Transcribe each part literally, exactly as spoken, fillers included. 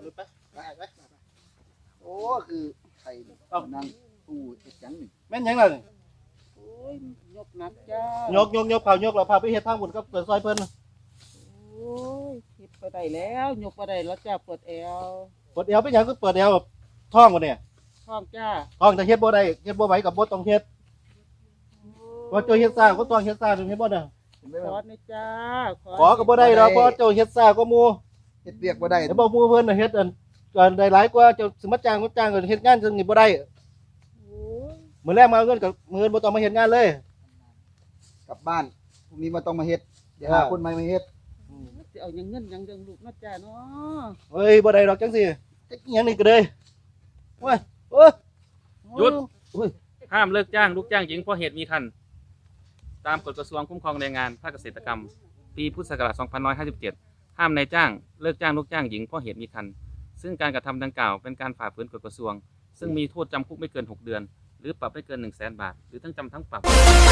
คนรู้ปะได้ไหมโอ้คือไข่นั่งตู้เอ็ดยังหนึ่งแม่นยังล่ะโอ้ยยกนักจ้ายกยกยกเผายกเราพาไปเฮ็ดทางบุญกับเปิดซอยเพิ่นโอ้ยคิดไปได้แล้วยกไปได้แล้วจ้าปวดแอวเปิดเอวไปหยังก็เปิดเอวแบบท้องบ่เนี่ยท้องจ้าท้องจะเฮ็ดบ่ได้เฮ็ดบ่ไหวกับบ่ต้องเฮ็ดบ่เจ้าเฮ็ดซ่าก็ต้องเฮ็ดซ่าถึงเฮ็ดบ่ได้ขอนี่จ้าขอก็บ่ได้ดอกเพราะเจ้าเฮ็ดซ่าก็หมู่เฮ็ดเรียกบ่ได้แต่บ่หมู่เพิ่นน่ะเฮ็ดอันก็ได้หลายกว่าเจ้าสิมาจ้างก็จ้างก็เฮ็ดงานจังนี้บ่ได้โอ้ยมื้อแรกมาเอาเงินกับมื้ออื่นบ่ต้องมาเฮ็ดงานเลยกลับบ้านพรุ่งนี้มาต้องมาเฮ็ดเดี๋ยวหาคนใหม่มาเฮ็ดสิเอาหยังเงินหยังเดืองลูกนะจ้าเนาะเฮ้ยบ่ได้ดอกจังซี่จักอิหยังนี่ก็เลยโอ้ยโอ้ยหยุดโอ้ยห้ามเลิกจ้างลูกจ้างหญิงเพราะเหตุมีคันตามกฎกระทรวงคุ้มครองแรงงานภาคเกษตรกรรม ปีพุทธศักราช สองพันหนึ่งร้อยห้าสิบเจ็ด ห้ามนายจ้างเลิกจ้างลูกจ้างหญิงเพราะเหตุมีคันซึ่งการกระทำดังกล่าวเป็นการฝ่าฝืนกฎกระทรวง ซึ่งมีโทษจำคุกไม่เกินหกเดือน หรือปรับไม่เกิน หนึ่งแสน บาท หรือทั้งจำทั้งปรับ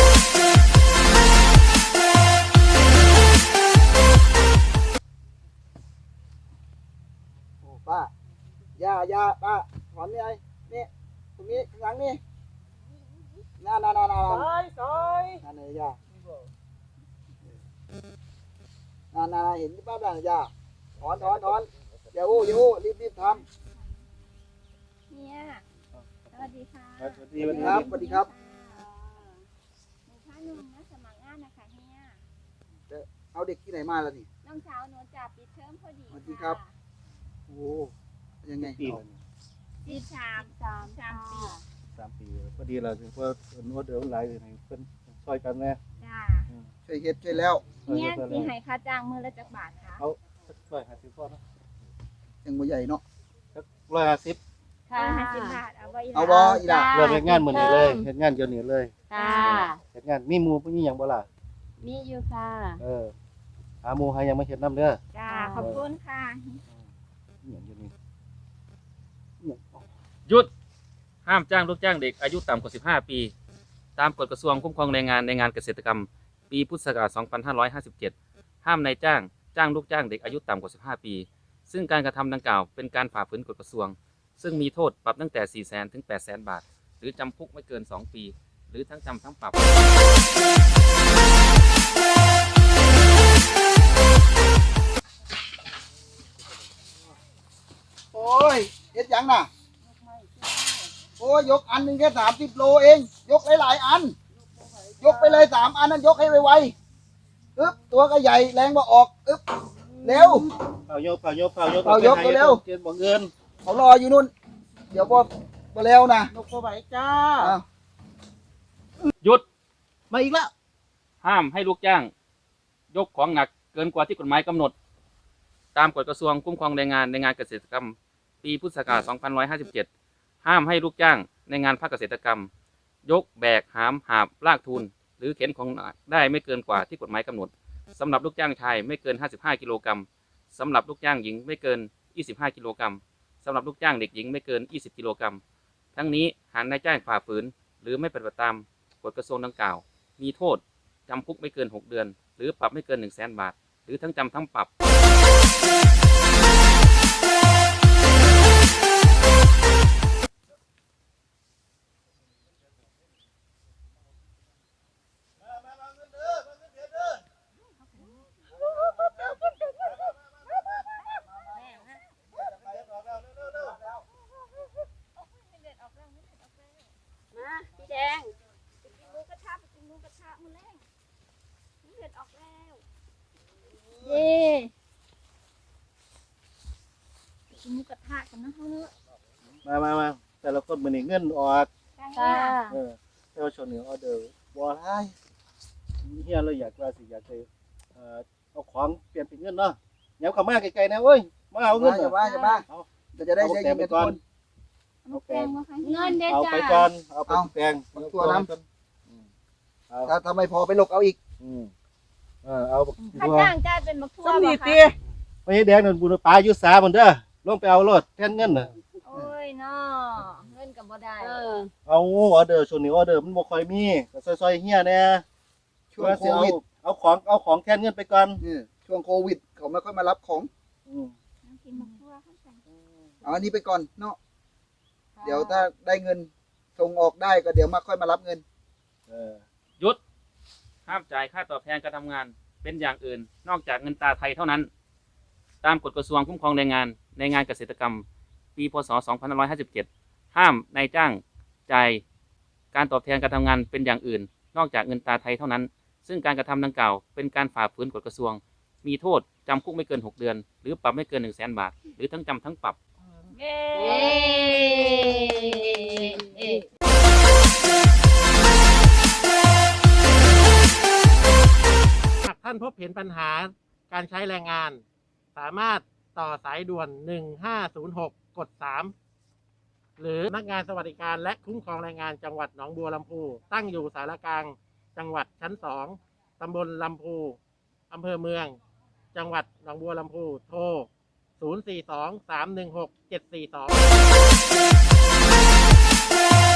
โอ้ป้าย่าย่าป้าถอนนี่ไอ้นี่ตรงนี้ข้างหลังนี่น่าน่าน่าน่าซอยซอยนั่นเลยย่าน่าน่าเห็นป้าบ้างย่าถอนถอนถอนอย่าอู้อย่าอู้รีบรีบทเฮียสวัสดีค่ะสวัสดีำวันนี้ครับสวัสดีครับหนูพาหนุ่มนะสมัครงานนะคะเฮียเอาเด็กที่ไหนมาล่ะนี่น้องสาวหนูจับปิดเทอมพอดีสวัสดีครับ โอ้ยังไงปีเอาสิบสามสามสามปีสามปีพอดีเราถึงว่าเอิ้นว่าเดือดหลายให้เพิ่นช่วยกันแน่จ้าช่วยเฮ็ดช่วยแล้วเฮียสิให้ค่าจ้างมือละจักบาทค่ะเอาสักร้อยห้าสิบพอเนาะยังบ่ใหญ่เนาะสักร้อยห้าสิบค่ะห้าสิบบาทเอาไว้เอาบ่อีหล่ะเริ่มเฮ็ดงานมื้อนี้เลยเฮ็ดงานเดี๋ยวนี้เลยค่ะเฮ็ดงานมีหมู่มีหยังบ่ล่ะมีอยู่ค่ะเออหาหมู่หาหยังมาเฮ็ดนํเด้อจ้าขอบคุณค่ะมีหยังอยู่นี่อิหยังอ๋อหยุด ห้ามจ้างลูกจ้างเด็กอายุต่ำกว่า สิบห้า ปี ตามกฎกระทรวงคุ้มครองแรงงานในงานเกษตรกรรม ปีพุทธศักราช สองพันห้าร้อยห้าสิบเจ็ด ห้ามนายจ้างจ้างลูกจ้างเด็กอายุต่ำกว่า สิบห้า ปี ซึ่งการกระทำดังกล่าวเป็นการฝ่าฝืนกฎกระทรวง ซึ่งมีโทษปรับตั้งแต่ สี่แสน ถึง แปดแสน บาท หรือจำคุกไม่เกิน สอง ปี หรือทั้งจำทั้งปรับโอ้ยเฮ็ดหยังน่ะโอ้ยยกอันหนึงแค่สามสิบโลเอง ยกหลายๆอัน ยกไปเลยสามอันนั้นยกให้ไวๆอึ๊บตัวก็ใหญ่แรงบ่ออกอึ๊บเร็วเผายกเผายกเผายกเผายกเร็วเกินบ่เงินเขารออยู่นู่น เดี๋ยวบ่บ่เร็วนะนกบ่ไหวจ้าอ้าวหยุดมาอีกแล้วห้ามให้ลูกจ้าง ยกของหนักเกินกว่าที่กฎหมายกำหนด ตามกฎกระทรวงคุ้มครองแรงงานในงานเกษตรกรรม ปีพุทธศักราช สองพันหนึ่งร้อยห้าสิบเจ็ด ห้ามให้ลูกจ้างในงานภาคเกษตรกรรม ยกแบกหามหาบลากทูลหรือเข็นของหนักได้ไม่เกินกว่าที่กฎหมายกำหนดสำหรับลูกจ้างชายไม่เกิน ห้าสิบห้า กิโลกรัมสำหรับลูกจ้างหญิงไม่เกิน ยี่สิบห้า กิโลกรัมสำหรับลูกจ้างเด็กหญิงไม่เกิน ยี่สิบ กิโลกรัมทั้งนี้หากนายจ้างฝ่าฝืนหรือไม่ปฏิบัติตามกฎกระทรวงดังกล่าว มีโทษจำคุกไม่เกิน หก เดือน หรือปรับไม่เกิน หนึ่งแสน บาท หรือทั้งจำทั้งปรับมาพี่แดงไปกินหมูกระทะไปกินหมูกระทะมื้อแรงเลือดออกแล้วเย่ไปกินหมูกระทะกันนะเฮาเนอะมามามาแต่ละคนมื้อนี้เงินออกค่ะเออแต่ว่าช่วงนี้ออเดอร์บ่หลายเฮียเราอยากว่าสิอยากไปเอ่อเอาของเปลี่ยนเป็นเงินเนาะแนวเข้ามาไกลๆนะเว้ยมาเอาเงินอย่าน่ะว่าอย่าว่าเอาเดี๋ยวจะได้ใช้ยินกันทุกคนเอาแปลงมาค่ะเงินเด้อเอาจ้าไปก่อนเอาไปเอาแปลงเอาตัวน้ำอืมเอาถ้าถ้าไม่พอไปลกเอาอีกอืมเออเอาบักค่าบัวจ้างจ่ายเป็นบักทั่วสำนีบ่ตีคะไปให้แดงนั่นบุญปลาอยู่สาพุ่นเด้อลงไปเอารถแทนเงินน่ะโอ้ยเนาะเงินก็บ่ได้เออเอาออเดอร์ช่วงนี้ออเดอร์มันบ่ค่อยมีก็ซอยๆเฮียแหน่ช่วงว่าโคสิเอาวิดเอาของเอาของแทนเงินไปก่อนนี่ช่วงโควิด เขาไม่ค่อยมารับของอืมกินบักทั่วเข้าไปเอาอันนี้ไปก่อนเนาะเดี๋ยวถ้าได้เงินส่งออกได้ก็เดี๋ยวมาค่อยมารับเงินเออหยุดห้ามจ่ายค่าตอบแทนการทำงานเป็นอย่างอื่น นอกจากเงินตราไทยเท่านั้น ตามกฎกระทรวงคุ้มครองแรงงานในงานเกษตรกรรม ปีพศสองพันห้าร้อยห้าสิบเจ็ดห้ามนายจ้างจ่ายการตอบแทนการทำงานเป็นอย่างอื่น นอกจากเงินตราไทยเท่านั้น ซึ่งการกระทำดังกล่าวเป็นการฝ่าฝืนกฎกระทรวง มีโทษจำคุกไม่เกินหกเดือน หรือปรับไม่เกินหนึ่งแสนบาท หรือทั้งจำทั้งปรับเย้หากท่านพบเห็นปัญหาการใช้แรงงาน สามารถต่อสายด่วน หนึ่งห้าศูนย์หก กด สาม หรือพนักงานสวัสดิการและคุ้มครองแรงงานจังหวัดหนองบัวลำพู ตั้งอยู่สารกลางจังหวัดชั้น สอง ตำบลลำพูอำเภอเมือง จังหวัดหนองบัวลำพู โทร ศูนย์ สี่ สอง สาม หนึ่ง หก เจ็ด สี่ สอง